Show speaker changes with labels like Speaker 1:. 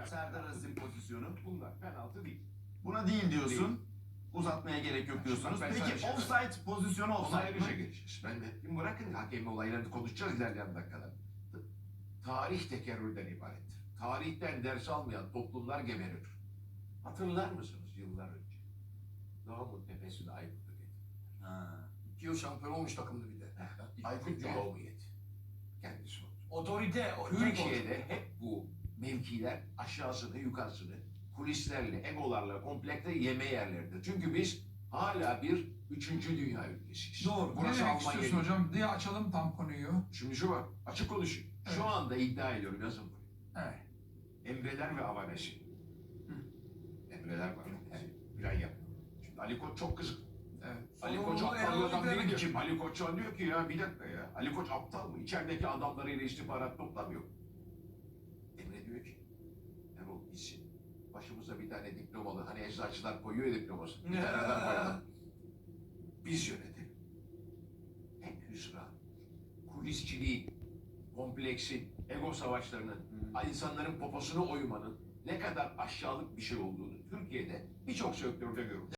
Speaker 1: Serdar Aziz'in pozisyonu.
Speaker 2: Bunlar penaltı değil.
Speaker 1: Buna değil diyorsun. Uzatmaya gerek yok diyorsunuz.
Speaker 2: Ben sana bir
Speaker 1: Peki
Speaker 2: şey
Speaker 1: offside pozisyonu
Speaker 2: Ona
Speaker 1: offside
Speaker 2: ayrıca
Speaker 1: mı?
Speaker 2: geleceğiz. Ben de şimdi bırakın hakemin olaylarını konuşacağız ilerleyen dakikalar. Tarih tekerrürden ibarettir. Tarihten ders almayan toplumlar geberir. Hatırlar mısınız yıllar önce? Doğu'nun tepesine Aykut'u getirdiler.
Speaker 1: Ha.
Speaker 3: 2 yıl şampiyon olmuş takımdı bir de.
Speaker 2: Aykut Cumhuriyet. Kendisi oldu.
Speaker 3: Otorite.
Speaker 2: Türkiye'de hep bu mevkiler aşağısını yukarısını kulislerle, egolarla, komplekte yeme yerleridir. Çünkü biz hala bir 3. dünya ülkesiyiz.
Speaker 4: Doğru.
Speaker 2: Burası
Speaker 4: ne demek
Speaker 2: Almanya
Speaker 4: istiyorsun
Speaker 2: değil.
Speaker 4: hocam diye açalım tam konuyu.
Speaker 2: Şimdi şu var, açık konuşayım.
Speaker 4: Evet.
Speaker 2: Şu anda iddia ediyorum, yazın buraya.
Speaker 4: Evet.
Speaker 2: Emreler ve Avanesi. Emreler var. Plan yapıyor. Şimdi Ali Koç çok kızık.
Speaker 4: Evet.
Speaker 2: Ali
Speaker 4: Sonra
Speaker 2: Koç
Speaker 4: onu
Speaker 2: aptal bir
Speaker 4: Erol
Speaker 2: adam
Speaker 4: Hoca
Speaker 2: değil
Speaker 4: diyor.
Speaker 2: ki. Ali Koç şu an diyor ki ya bir dakika ya. Ali Koç aptal mı? İçerideki adamlarıyla istihbarat toplamıyor. Emre diyor ki Erol gitsin. Başımıza bir tane diplomalı hani eczacılar koyuyor ya diplomasını. Bir tane adam koyalım. Biz yönetelim. Hep hüsran, kulisçiliğin, kompleksin, ego savaşlarının, insanların poposunu oymanın ne kadar aşağılık bir şey olduğunu Türkiye'de birçok sektörde görüyoruz.